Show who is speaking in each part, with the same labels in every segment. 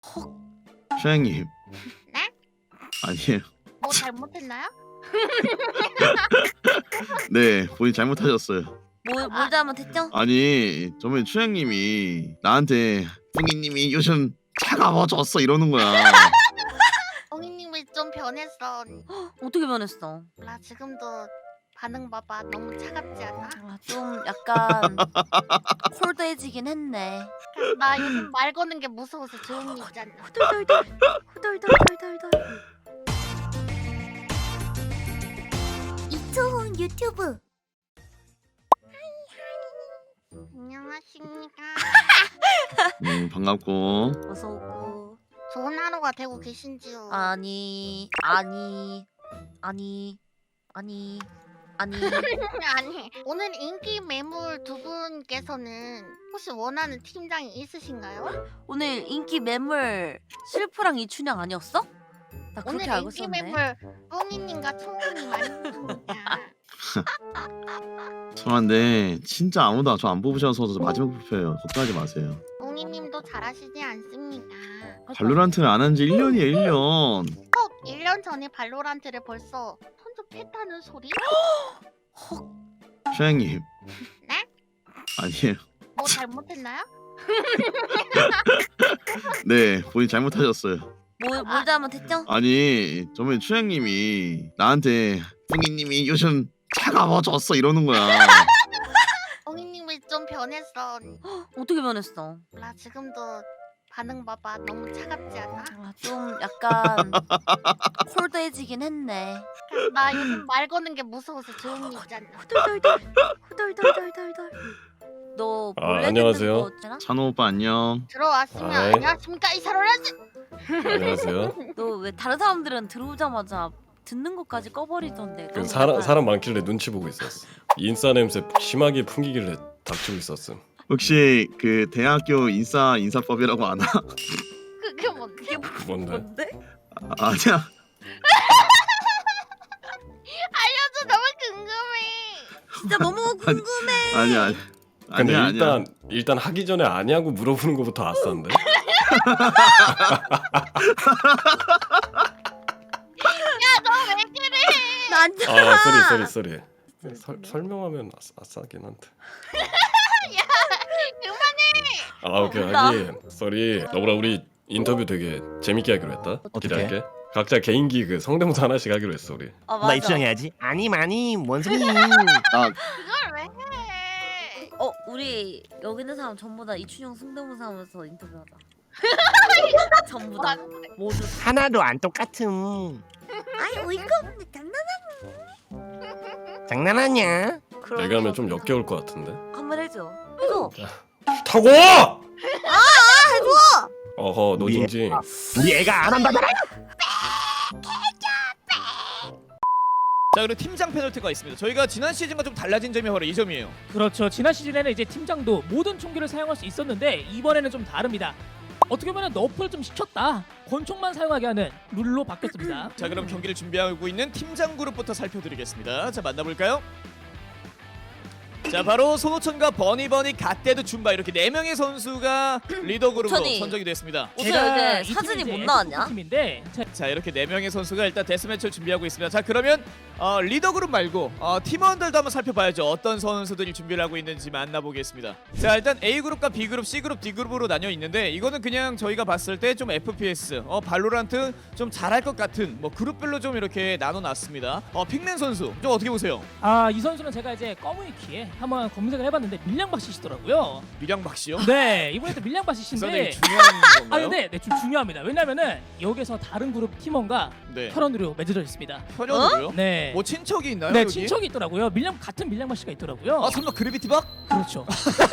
Speaker 1: 헉.
Speaker 2: 슈양님.
Speaker 3: 네?
Speaker 2: 아니에요.
Speaker 3: 뭐 잘못했나요?
Speaker 2: 네, 본인 잘못하셨어요.
Speaker 1: 뭘 잘못했죠?
Speaker 2: 아니, 저번에 슈양님이 나한테 뿡이님이 요즘 차가워졌어 이러는 거야.
Speaker 3: 엉이님이 좀 변했어.
Speaker 1: 어떻게 변했어?
Speaker 3: 나 지금도 반응 봐봐. 너무 차갑지 않아?
Speaker 1: 아, 좀 약간 콜드해지긴 했네.
Speaker 3: 나 요즘 말 거는 게 무서워서 조용히 있잖아.
Speaker 1: 후덜덜덜 후덜덜덜덜덜. 이초훈 유튜브.
Speaker 3: 안녕하십니까.
Speaker 2: 반갑고.
Speaker 1: 어서 오고.
Speaker 3: 좋은 하루가 되고 계신지요?
Speaker 1: 아니.
Speaker 3: 아니, 오늘 인기 매물 두 분께서는 혹시 원하는 팀장이 있으신가요?
Speaker 1: 오늘 인기 매물 실프랑 이춘향 아니었어? 나
Speaker 3: 오늘
Speaker 1: 그렇게 알고
Speaker 3: 인기
Speaker 1: 있었네.
Speaker 3: 매물 뽕이님과 초홍님 아니십니까?
Speaker 2: 죄송한데 진짜 아무도 저 안 뽑으셔서 저 마지막 뽑혀요. 걱정하지 마세요.
Speaker 3: 뽕이님도 잘하시지 않습니까?
Speaker 2: 발로란트를 안 한 지 1년이에요, 1년.
Speaker 3: 1년 전에 발로란트를 벌써 선접했다는 소리?
Speaker 2: 슈양님.
Speaker 3: 네?
Speaker 2: 아니에요.
Speaker 3: 뭐 잘못했나요?
Speaker 2: 네, 본인 잘못하셨어요.
Speaker 1: 뭘 잘못했죠?
Speaker 2: 아니, 저번에 슈양님이 나한테 뿡이님이 요즘 차가워졌어 이러는 거야.
Speaker 3: 뽕이님이 좀 변했어.
Speaker 1: 어떻게 변했어?
Speaker 3: 나 지금도 반응 봐봐. 너무 차갑지 않아?
Speaker 1: 아, 좀 약간 콜드해지긴 했네.
Speaker 3: 나 요즘 말 거는 게 무서워서 조용히 있잖아.
Speaker 1: 후덜덜덜. 너 몰래
Speaker 4: 안녕하세요.
Speaker 1: 듣는 거 있잖아?
Speaker 2: 찬호 오빠 안녕.
Speaker 3: 들어왔으면
Speaker 4: 아이.
Speaker 3: 안녕하십니까 이사로라지.
Speaker 4: 안녕하세요.
Speaker 1: 너 왜 다른 사람들은 들어오자마자 듣는 것까지 꺼버리던데.
Speaker 4: 그
Speaker 1: 너는
Speaker 4: 사람
Speaker 1: 약간
Speaker 4: 사람 많길래 눈치 보고 있었어. 인싸 냄새 심하게 풍기길래 닥치고 있었음.
Speaker 2: 혹시 그 대학교 인사법이라고 아나?
Speaker 3: 그게 뭔데?
Speaker 4: 뭔데?
Speaker 1: 뭔데?
Speaker 2: 아니야.
Speaker 3: 알려줘. 너무 궁금해.
Speaker 1: 진짜 너무 궁금해.
Speaker 2: 아니야.
Speaker 4: 근데
Speaker 2: 아니야.
Speaker 4: 일단 하기 전에 아냐고 물어보는 것부터 아싼데.
Speaker 3: 너 왜 그래?
Speaker 1: 난
Speaker 4: 아 쏘리. 설명하면 아싸긴 한데.
Speaker 3: 야 그만해.
Speaker 4: 아 오케이
Speaker 1: 몰라.
Speaker 4: 하긴 쏘리. 너보라 우리 인터뷰 되게 재밌게 하기로 했다. 기대할게. 각자 개인기 그 성대모사 하나씩 하기로 했어 우리.
Speaker 1: 아,
Speaker 5: 나 입장해야지. 아니 뭔 소리?
Speaker 2: 아,
Speaker 3: 그걸 왜 해?
Speaker 1: 우리 여기 있는 사람 전부 다 이춘영 성대모사 하면서 인터뷰하자. 전부
Speaker 3: 뭐
Speaker 1: 다
Speaker 3: 하는 거야?
Speaker 1: 모두.
Speaker 5: 하나도 안 똑같음.
Speaker 1: 아니 어이가 없네.
Speaker 5: 장난하냐?
Speaker 4: 내가 하면 좀 역겨울 것 같은데.
Speaker 1: 한번 해줘. 해줘.
Speaker 4: 타고!
Speaker 1: 해줘.
Speaker 4: 어허 노징징.
Speaker 5: 우리 애가 안 한다잖아.
Speaker 6: 자 그리고 팀장 페널티가 있습니다. 저희가 지난 시즌과 좀 달라진 점이 바로 이 점이에요.
Speaker 7: 그렇죠. 지난 시즌에는 이제 팀장도 모든 총기를 사용할 수 있었는데 이번에는 좀 다릅니다. 어떻게 보면 너프를 좀 시켰다. 권총만 사용하게 하는 룰로 바뀌었습니다.
Speaker 6: 자 그럼 경기를 준비하고 있는 팀장 그룹부터 살펴드리겠습니다. 자 만나볼까요? 자 바로 손호천과 버니버니 갓데드 줌바 이렇게 4명의 선수가 리더 그룹으로
Speaker 1: 천이.
Speaker 6: 선정이 됐습니다.
Speaker 1: 어제
Speaker 7: 제가
Speaker 1: 이제
Speaker 7: 이
Speaker 1: 사진이
Speaker 7: 팀이
Speaker 1: 못
Speaker 7: 이제
Speaker 1: 나왔냐?
Speaker 7: F4 팀인데
Speaker 6: 자 이렇게 4명의 선수가 일단 데스매치를 준비하고 있습니다. 자 그러면 리더 그룹 말고 팀원들도 한번 살펴봐야죠. 어떤 선수들이 준비를 하고 있는지 만나보겠습니다. 자 일단 A그룹과 B그룹, C그룹, D그룹으로 나뉘어 있는데 이거는 그냥 저희가 봤을 때 좀 FPS, 발로란트 좀 잘할 것 같은 뭐 그룹별로 좀 이렇게 나눠놨습니다. 픽맨 선수 좀 어떻게 보세요?
Speaker 7: 이 선수는 제가 이제 커뮤니티에 한번 검색을 해봤는데 밀량박씨시더라고요.
Speaker 6: 미량박 씨요?
Speaker 7: 네, 이번에 또
Speaker 6: 그
Speaker 7: 밀량박씨신데
Speaker 6: 선생님 중요한 건가요?
Speaker 7: 네, 좀 중요합니다. 왜냐면은 여기서 다른 그룹 팀원과
Speaker 6: 네.
Speaker 7: 혈연으로 맺어져 있습니다.
Speaker 6: 편연으로요?
Speaker 7: 네.
Speaker 6: 뭐 친척이 있나요?
Speaker 7: 네,
Speaker 6: 여기?
Speaker 7: 친척이 있더라고요. 같은 밀량박씨가 있더라고요.
Speaker 6: 설마 그래비티박?
Speaker 7: 그렇죠.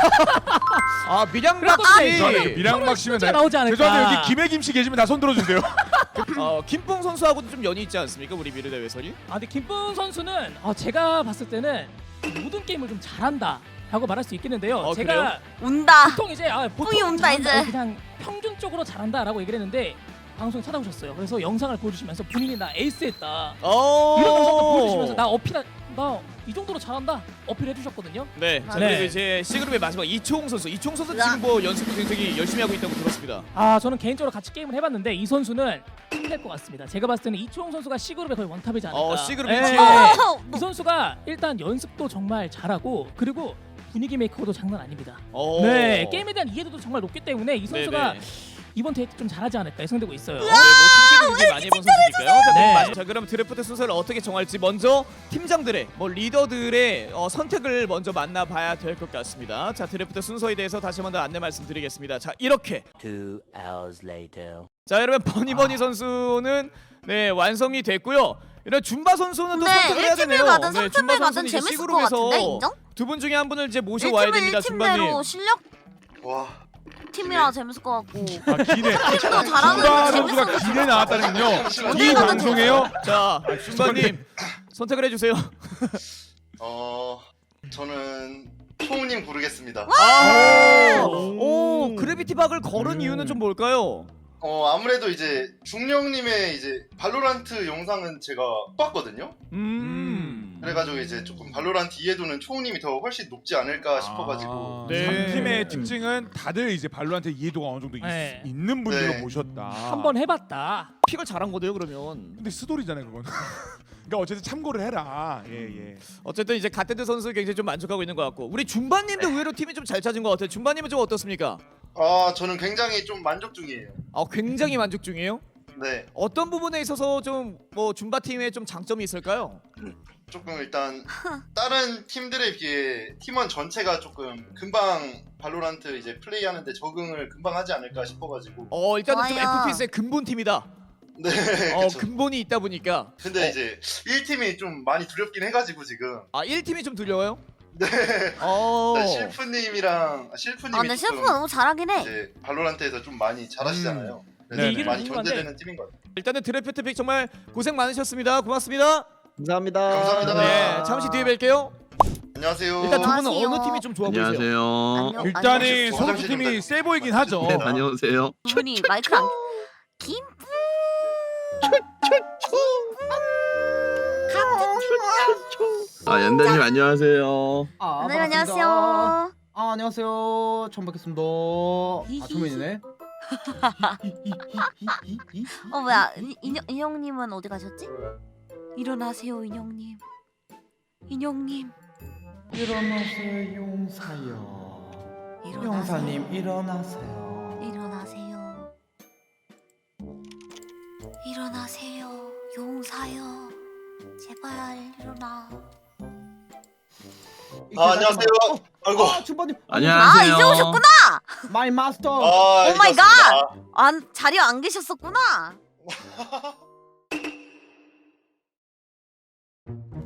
Speaker 6: 미량박
Speaker 7: 그래도
Speaker 6: 씨.
Speaker 8: 미량박 씨면
Speaker 7: 가 나오지 않을까.
Speaker 8: 죄송한데 여기 김혜김 씨 계시면 나 손 들어주세요.
Speaker 6: 김뽕 선수하고도 좀 연이 있지 않습니까? 우리 미르 대회설이?
Speaker 7: 근데 김뿐 선수는 제가 봤을 때는 모든 게임을 좀 잘한다 라고 말할 수 있겠는데요. 제가
Speaker 6: 그래요?
Speaker 1: 운다.
Speaker 7: 보통 이제
Speaker 1: 뿡이 온다, 이제.
Speaker 7: 그냥 평균적으로 잘한다 라고 얘기를 했는데 방송에 찾아오셨어요. 그래서 영상을 보여주시면서 본인이 나 에이스했다 이런 영상을 보여주시면서 나 나 이 정도로 잘한다 어필해 주셨거든요.
Speaker 6: 네. 자
Speaker 7: 네.
Speaker 6: 그리고 이제 C그룹의 마지막 이초홍 선수. 이초홍 선수 지금 뭐 연습도 굉장히 열심히 하고 있다고 들었습니다.
Speaker 7: 아 저는 개인적으로 같이 게임을 해봤는데 이 선수는 힘낼 것 같습니다. 제가 봤을 때는 이초홍 선수가 C그룹의 거의 원탑이지 않을까.
Speaker 6: C그룹
Speaker 7: 예.
Speaker 6: 이초홍.
Speaker 7: 이 선수가 일단 연습도 정말 잘하고 그리고 분위기 메이커도 장난 아닙니다.
Speaker 6: 어.
Speaker 7: 네 게임에 대한 이해도도 정말 높기 때문에 이 선수가
Speaker 6: 네네.
Speaker 7: 이번 데이트 좀 잘하지 않을까 예상되고 있어요.
Speaker 6: 네, 뭐 팀들이 굉장히 많이 해본 선수니까요. 자,
Speaker 7: 네.
Speaker 6: 자, 그럼 드래프트 순서를 어떻게 정할지 먼저 팀장들의 뭐 리더들의 선택을 먼저 만나봐야 될 것 같습니다. 자, 드래프트 순서에 대해서 다시 한번 더 안내 말씀드리겠습니다. 자, 이렇게
Speaker 5: 2 hours later.
Speaker 6: 자, 여러분 버니버니 선수는 네 완성이 됐고요. 이런 줌바 선수는 또
Speaker 1: 네,
Speaker 6: 선택을 해야
Speaker 1: 1팀을
Speaker 6: 되네요.
Speaker 1: 가든
Speaker 6: 네,
Speaker 1: 3팀을
Speaker 6: 줌바
Speaker 1: 가든
Speaker 6: 선수는 이제
Speaker 1: 재밌을 것 같은데 인정?
Speaker 6: 두 분 중에 한 분을 이제 모셔와야
Speaker 1: 1팀은
Speaker 6: 됩니다, 줌바님.
Speaker 1: 1팀대로 실력
Speaker 2: 와.
Speaker 1: 팀이라 재밌을 것 같고
Speaker 8: 아 기대.
Speaker 1: 팀도 잘하는
Speaker 8: 줌바
Speaker 1: 재밌을
Speaker 8: 선수가
Speaker 1: 것
Speaker 8: 기대 나왔다는군요. 이
Speaker 1: 어디 가든
Speaker 8: 방송에요.
Speaker 6: 자, 줌바님 선택을 해주세요.
Speaker 9: 저는 초우님 고르겠습니다.
Speaker 6: 오, 그래비티 박을 걸은 이유는 좀 뭘까요?
Speaker 9: 아무래도 이제 중령님의 이제 발로란트 영상은 제가 봤거든요. 그래가지고 이제 조금 발로란트 이해도는 초우님이 더 훨씬 높지 않을까 싶어가지고.
Speaker 6: 네.
Speaker 8: 3팀의 특징은 다들 이제 발로한테 이해도가 어느 정도
Speaker 7: 네.
Speaker 8: 있는 분들로
Speaker 9: 네.
Speaker 8: 모셨다.
Speaker 7: 한번 해봤다.
Speaker 6: 픽을 잘한 거네요, 그러면.
Speaker 8: 근데 스토리잖아요 그건. 그러니까 어쨌든 참고를 해라. 예.
Speaker 6: 어쨌든 이제 갓데드 선수 굉장히 좀 만족하고 있는 것 같고 우리 줌바님도 의외로 팀이 좀 잘 찾은 것 같아요. 줌바님은 좀 어떻습니까?
Speaker 9: 저는 굉장히 좀 만족 중이에요.
Speaker 6: 굉장히 만족 중이에요.
Speaker 9: 네,
Speaker 6: 어떤 부분에 있어서 좀 뭐 줌바 팀의 좀 장점이 있을까요?
Speaker 9: 조금 일단 다른 팀들에 비해 팀원 전체가 조금 금방 발로란트 이제 플레이하는데 적응을 금방 하지 않을까 싶어가지고.
Speaker 6: 일단은 좀
Speaker 1: 좋아요.
Speaker 6: FPS의 근본 팀이다.
Speaker 9: 네, 그쵸.
Speaker 6: 근본이 있다 보니까.
Speaker 9: 근데 이제 1팀이 좀 많이 두렵긴 해가지고 지금.
Speaker 6: 1팀이 좀 두려워요?
Speaker 9: 네. 실프님이랑 실프님이
Speaker 1: 아 근데
Speaker 9: 조금
Speaker 1: 셰프가 너무 잘하긴 해.
Speaker 9: 이제 발로란트에서 좀 많이 잘하시잖아요.
Speaker 8: 네,
Speaker 9: 그래서
Speaker 7: 이게
Speaker 9: 많이
Speaker 7: 궁금한데.
Speaker 9: 견제되는 팀인 것 같아요.
Speaker 6: 일단은 드래프트 픽 정말 고생 많으셨습니다. 고맙습니다.
Speaker 2: 감사합니다.
Speaker 9: 감사합니다.
Speaker 6: 네, 잠시 뒤에 뵐게요.
Speaker 9: 안녕하세요.
Speaker 6: 일단 두 분은
Speaker 1: 안녕하세요.
Speaker 6: 어느 팀이 좀 좋아 보이세요?
Speaker 2: 안녕하세요.
Speaker 1: 안녕.
Speaker 8: 일단은
Speaker 9: 안녕.
Speaker 8: 선수팀이 세 보이긴 하죠.
Speaker 2: 네, 다녀오세요.
Speaker 1: 분이 마이크 안 김.
Speaker 2: 연대님 안녕하세요.
Speaker 1: 네 안녕하세요.
Speaker 10: 안녕하세요. 처음 뵙겠습니다. 초면이네.
Speaker 1: 뭐야 인형님은 어디 가셨지? 일어나세요 인형님. 인형님.
Speaker 10: 일어나세요, 용사요.
Speaker 1: 일어나세요.
Speaker 10: 용사님 일어나세요.
Speaker 1: 일어나세요. 일어나세요 용사요. 제발 일어나.
Speaker 9: 안녕하세요. 아이고.
Speaker 10: 춘바님.
Speaker 2: 안녕하세요.
Speaker 1: 이제 오셨구나.
Speaker 10: 마이 마스터.
Speaker 1: 오 마이 갓.
Speaker 9: 갓.
Speaker 1: 자리에 안 계셨었구나.